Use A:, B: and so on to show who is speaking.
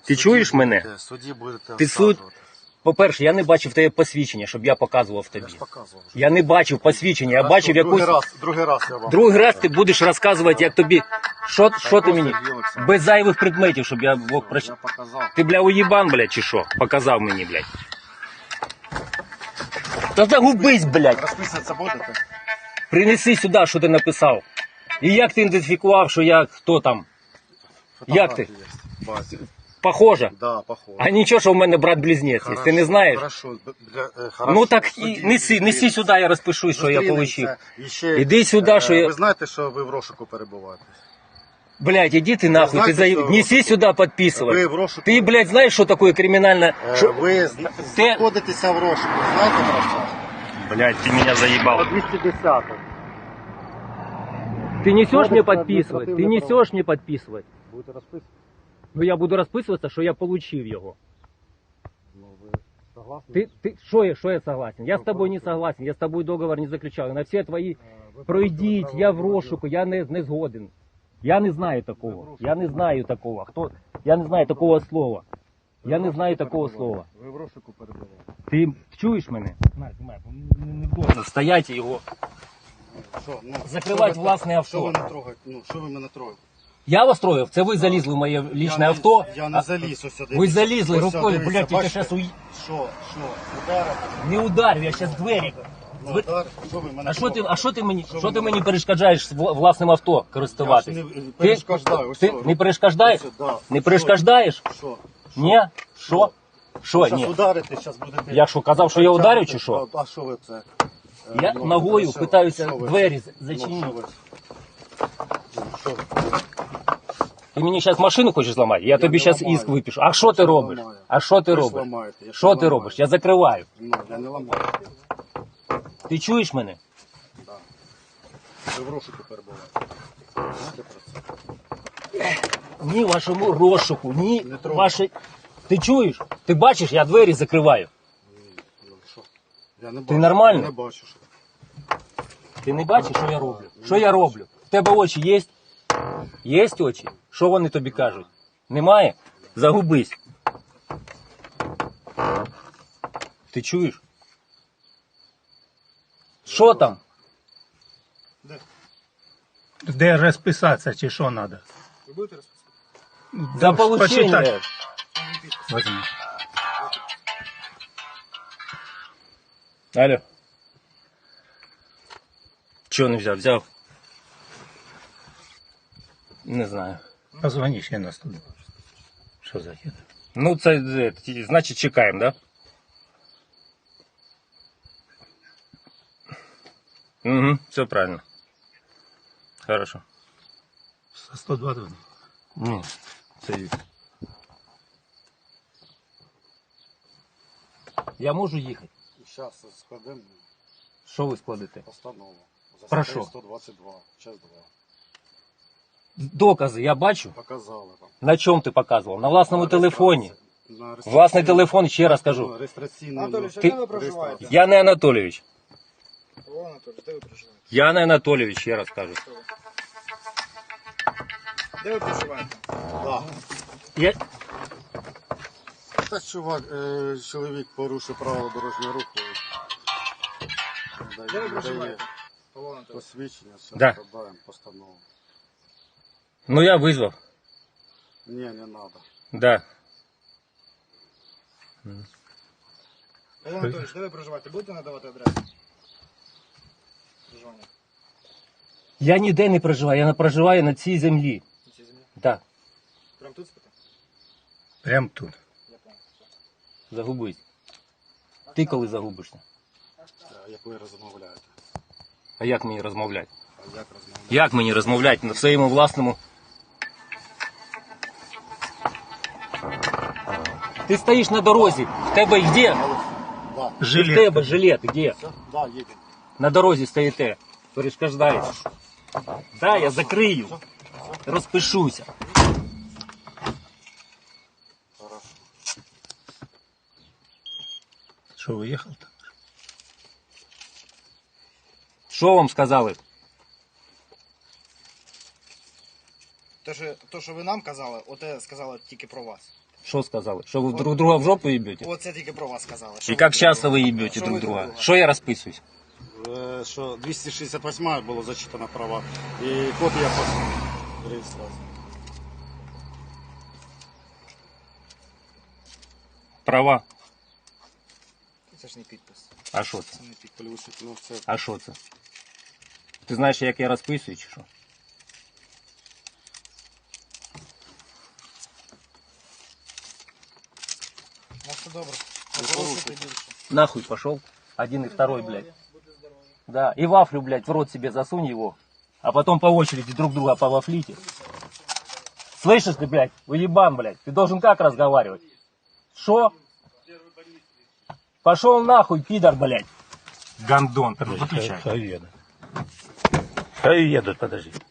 A: Ти чуєш мене?
B: Судді будете
A: Ти суд.
B: розказувати.
A: По-перше, я не бачив тебе посвідчення, щоб я показував тобі.
B: Я ж показував вже.
A: Я не бачив посвідчення, я бачив якусь...
B: Другий раз я вам.
A: Другий раз ти будеш розказувати, як тобі... Що ти мені?
B: Сергій Олександрович.
A: Без зайвих предметів, щоб я мог
B: Я
A: прочитати.
B: показав.
A: Ти, бля, уїбан, блядь, чи що? Показав мені, блядь. Та загубись, блядь.
B: Розписуватися будете?
A: Принеси сюди, що ти написав. І як ти ідентифікував, що я хто там? Як ти?
B: Фотографії є. Бачу.
A: Похоже?
B: Да, похоже.
A: А нічого, що в мене брат-близнець.
B: Хорошо,
A: Ти не знаєш?
B: Хорошо, хорошо.
A: Ну так і
B: Судді
A: неси
B: зустрінемося.
A: сюди, я розпишусь, що я
B: Зустрінемося.
A: отримав.
B: І ще,
A: Іди сюди, що я...
B: Ви знаєте, що ви в розшуку перебуваєте?
A: Блядь, иди ты нахуй,
B: знаете,
A: ты за...
B: что-
A: неси сюда подписывать.
B: Ви в розшуку.
A: Ты, блядь, знаешь, что такое криминально...
B: Ви знаходитеся в розшуку. Знаєте про що?
A: Блядь, ты меня заебал.
B: 210.
A: Ты несешь
B: Кодекс
A: мне
B: на
A: подписывать? Ты
B: административное
A: несешь мне подписывать?
B: Будете розписувати?
A: Ну я буду розписуватися, що я получив його.
B: Ну, ви согласні?
A: Що я согласен? Я з тобою не согласен, я з тобою договор не заключав. На всі твої
B: Ви
A: пройдіть,
B: порушили
A: я в
B: правила
A: розшуку, я не згоден. Я не знаю такого. Я не знаю такого. Хто? Я не знаю такого слова. Я не знаю такого слова.
B: Ви в розшуку перебуваєте.
A: Ти чуєш мене? Не должен стоять і його.
B: Що, ну,
A: Закривати
B: що ви-
A: власне авто.
B: Що ви не трогаєте? Ну, що ви мене трогаєте?
A: Я вас троїв, це ви залізли в моє лічне
B: Я
A: авто.
B: Я не заліз ось сюди.
A: Ви залізли
B: Ось
A: рукою,
B: сюди,
A: блядь,
B: дивіться,
A: я
B: бачите?
A: зараз
B: Що, ударите?
A: не ударю, я зараз двері.
B: Ну, удар. Що ви мене
A: А що ти мені,
B: Що
A: що
B: ви
A: ти
B: мене-
A: мені перешкоджаєш власним авто
B: Я ж
A: користуватись?
B: не перешкоджаю. Ось
A: Ти
B: що,
A: не перешкоджаєш?
B: ось, да.
A: Не перешкоджаєш?
B: Що?
A: Ні? Що? Що?
B: Зараз
A: Ні.
B: ударите, зараз будете...
A: Я що, казав, що я ударю чи що?
B: А що ви це?
A: Я
B: Ну,
A: ногою
B: що-
A: питаюся
B: що ви?
A: двері
B: Ну,
A: зачинити.
B: що ви? Що ви?
A: Ти мені зараз машину хочеш зламати? Я тобі
B: не
A: зараз
B: ламаю.
A: іск випишу. А що ти
B: не
A: робиш?
B: ламаю.
A: А що ти
B: Ви ж
A: робиш?
B: ламаєте, я ж
A: Що
B: не
A: ти
B: ламаю.
A: робиш? Я закриваю.
B: Ну, я не ламаю.
A: Ти чуєш мене?
B: Ви в розшуку перебуваєте. Знаєте про це?
A: Ні вашому розшуку, ні
B: Не трогай.
A: вашій... Ти чуєш? Ти бачиш, я двері закриваю.
B: Ну, що? Я не
A: Ти
B: бачу.
A: нормально?
B: Я не бачу, що.
A: Ти не бачиш, що я роблю? Що я роблю? В тебе очі є? Є очі? Що вони тобі кажуть? Немає? Загубись. Ти чуєш? Що там?
B: Де?
C: Де розписатися чи що треба?
B: Ви будете розписувати?
A: За получення.
C: Почитай. Возьми.
A: Алло. Чого не взяв? Взяв? Не знаю.
C: Позвони ще нас туди. Що за хід?
A: Ну, це, значить, чекаємо, да? Угу, все правильно. Хорошо.
C: 120.
A: Ні, це... Я можу їхати?
B: Зараз складемо
A: Що ви складете?
B: постанову. За
A: Про
B: статтею
A: що?
B: 122, час 2.
A: Докази я бачу.
B: Показали вам.
A: На чому ти показував? На власному
B: На
A: телефоні.
B: реєстрації- на реєстраційному-
A: Власний телефон, ще раз кажу.
B: Ну, реєстраційний
D: Анатолій,
A: Ти-
D: де ви проживаєте?
A: Я не Анатолійович.
D: О, Анатолій, де ви проживаєте?
A: Я не Анатолійович, ще раз кажу.
D: Де ви проживаєте?
B: Да.
A: Я...
B: Та чувак, чоловік порушив правила дорожнього руху.
D: Де ви проживаєте? Павло Анатолійович.
B: Посвідчення, все
A: Да.
B: складаємо постанову.
A: Ну я визвав.
B: Ні, не треба.
A: Да.
D: Павло Анатолійович, де ви проживаєте? Будете надавати адресу? Проживання.
A: Я ніде не проживаю, я не проживаю на цій землі.
D: На цій землі?
A: Так,
D: Прям тут спите?
C: Прям тут.
D: Я понял.
A: загубись. Ти коли загубишся?
B: Як ви розмовляєте?
A: А як мені розмовляти?
B: А як розмовляєте?
A: Як мені розмовляти на своєму власному? Ти стоїш на дорозі, в тебе де?
B: Да.
A: В
C: Жилет.
A: тебе жилет, де?
B: Все? Да, їдемо.
A: На дорозі стоїте, перешкоджаєте. Да, я закрию, розпишуся.
B: Хорошо.
C: Що, виїхав там?
A: Що вам сказали?
D: То, що ви нам казали, оте сказали тільки про вас.
A: Что сказали? Что вы друг друга в жопу ебете?
D: Оце тільки про вас сказали.
A: И как часто вы ебете друг друга? Что я расписываюсь?
B: Що 268 було зачитано права. І копія по реєстрації.
A: Права.
D: Це ж не підпис.
A: А що це?
D: Це не підпис.
B: Плюс, ну, це
A: А що це? Ти знаєш, як я розписую, чи що?
D: Ну все добре. Не порушуйте більше.
A: Нахуй пошел. Один и второй, блядь. Да, и вафлю, блядь, в рот себе засунь его. А потом по очереди друг друга повафлите. Слышишь ты, блядь, уебан, блядь. Ты должен как разговаривать? Шо? Пошел нахуй, пидор, блядь. Гандон, выключай.
C: Хай едут. Хай едут, подожди.